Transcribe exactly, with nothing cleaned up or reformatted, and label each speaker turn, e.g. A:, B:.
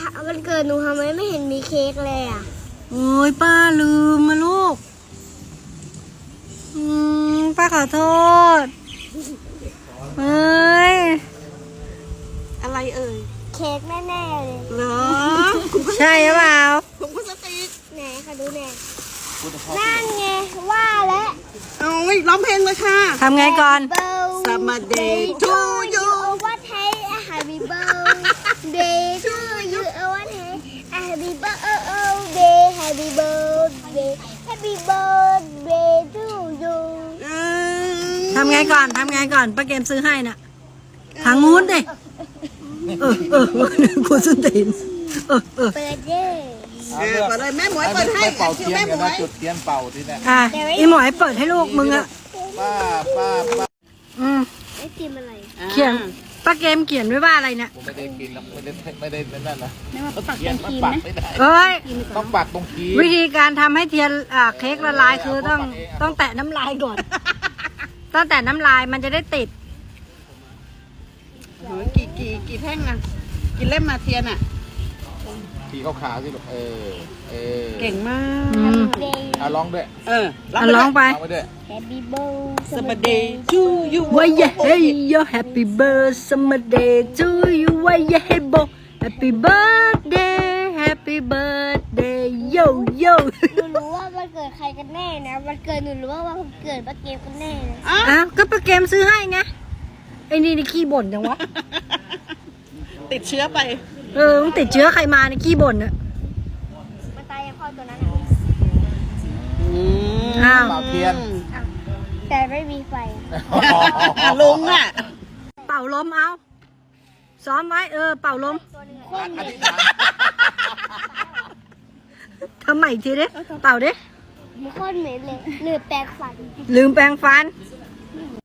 A: วันเกิดหนูทำไมไม่เห็นมีเค้กเลยอ่ะ
B: โอ้ยป้าลืมมาลูกอืมป้าขอโทษเอ้ย
C: อะไรเอ่ย
A: เค้กแน่ๆเลย
C: เหรอ
B: ใช่หรือเปล่า
C: ถุงพลาสติก
A: ไหนคะดูแน่นั่นไงว่าแล้ว
C: เอาไว้ร้องเพลงเลยค่ะ
B: ทำไงก่อน
C: Someday to you
A: ว่าไทย Happy birthday to you ว่าไทย Happy birthday Happy birthday Happy birthday to you
B: ทำไงก่อนทำไงก่อนป้าเกมซื้อให้น่ะทางงู้นดิเออเออกูสุดตีนเออเออ
A: เปิดเด้
C: เออเปิดเลยแม่หมวยเปิดให้
D: เป่า
C: คิว
D: เทียน
C: แม่หม
D: กัน
C: ว
D: นะ
C: ย
D: จุดเทียนเป่าที่เนี่ย
B: อ่ะอีหมอยเปิดให้ลูกมึงอ่ะ
D: ป้าป้าป้า
B: อืม
A: ไอติมอะไร
B: เขียนป้าเกมเขียนไว้ว่าอะไรเนี่ย
D: ผมไม่ได้กินแล้วไม่ได้ไม่ได้นั่นนะเทียนมันปักไม่ได้
B: เอ้ย
D: ต้องปักตรงคี
B: วิธีการทำให้เทียนอ่าเค้กละลายคือต้องต้องแตะน้ำลายก่อนต้องแตะน้ำลายมันจะได้ติด
C: โหกี่กี่กี่แท่งอ่ะกี่เล่มมาเทียนอ่ะ
D: คีขาวๆสิลูกเออเออ
C: เก่งมาก
B: อืม
D: เอาร้องด้วย
C: เออ
B: อ่ะร้องไป
D: ร้องไปด้วย
A: Happy birthday
C: Someday to you
B: ว่าอย่าให้โย Happy birthday to you ว่าอย่าให้โบ Happy birthday Happy birthday yo yo
A: หนูรู้ว่าวันเกิดใครกันแน่นะวันเกิดหนูรู้ว่าวันเกิดป้าเกมกันแน่นะ
C: อ้าว
B: อ้าวก็ป้าเกมซื้อให้ไงไอ้นี่นี่ขี้บ่นจังวะ
C: ติดเชื้อไป
B: เออมึงติดเชื้อใครมาในขี้บ่นอะ
A: มันตายยังพ่อตัวนั้นอ่ะ
B: อ้าว
D: เป่าเทียน
A: แต่ไม่มีไฟ
C: ลุงอ่ะ
B: เป่าลมเอาซ้อมไว้เออเป่าลม
A: คน
D: อ
A: เหม็
D: ธิ
A: น
D: ษฐาน
B: ทำใหม่อีกทีดิเป่าดิ
A: มันโคนเหม็นเลยหรือแปลงฟัน
B: ลืมแปรงฟัน
A: ใ